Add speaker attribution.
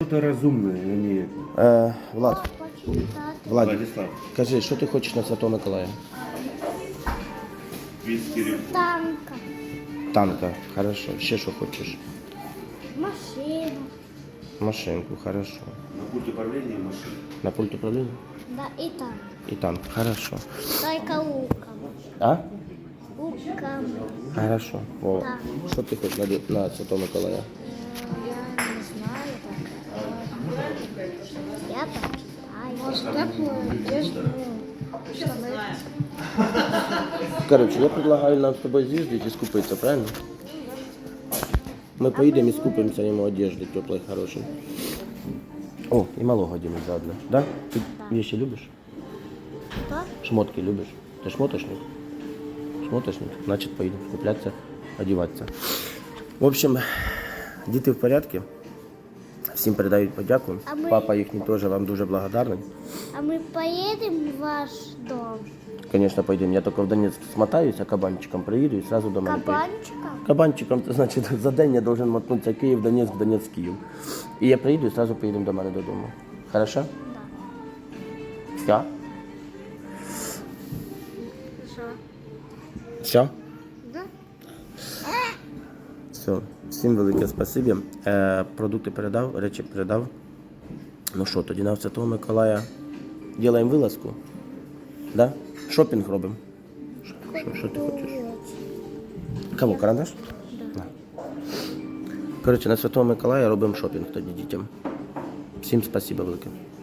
Speaker 1: Кто-то разумный, а не...
Speaker 2: Влад, Влад,
Speaker 1: Владислав.
Speaker 2: кажи, що ти хочеш на Святого Миколая?
Speaker 3: Танка,
Speaker 2: Танка, хорошо. Ще що хочеш?
Speaker 3: машина,
Speaker 2: Машинку, хорошо.
Speaker 1: На пульт управления машины.
Speaker 2: На пульт управління?
Speaker 3: да, и танк.
Speaker 2: І танк, хорошо.
Speaker 3: Только луком.
Speaker 2: А?
Speaker 3: Луком.
Speaker 2: Хорошо. О,
Speaker 3: Так.
Speaker 2: що ти хочеш на Святого Миколая?
Speaker 3: Я не знаю так. Я так. Может, теплую одежду, штаны.
Speaker 2: Короче, я предлагаю нам з тобою з'їздити і скупитися, правильно? Ми поїдемо і скупимося йому одежди теплої, хорошої. О, і малого одінемо заодно. Да? Ти вещи любиш?
Speaker 3: Что?
Speaker 2: Шмотки любиш? Ти шмоточник? Шмоточник? Значить поїдемо скуплятися, одіватися. В общем, діти в порядку. Всім передають подяку.
Speaker 3: А ми-
Speaker 2: Папа їхній теж вам дуже благодарний.
Speaker 3: А мы поедем в ваш дом?
Speaker 2: Конечно, поїдемо. Я тільки в Донецьк смотаюся, кабанчиком приїду і одразу до мене поїду.
Speaker 3: Кабанчиком?
Speaker 2: Кабанчиком, це значить, за день я должен мотнутися Київ, Донецьк, Донецьк, Київ. І я приїду і одразу поїдемо до мене додому. Хорошо?
Speaker 3: Да.
Speaker 2: Все?
Speaker 3: Что?
Speaker 2: Все?
Speaker 3: Да?
Speaker 2: Все. Всім велике спасибі. Продукти передав, речі передав. Ну що, тоді на Святого Миколая робимо вилазку? Да? Шопінг робимо? Що ти хочеш? Кого, карандаш? Да. Коротше, на Святого Миколая робимо шопінг тоді дітям. Всім спасибо велике.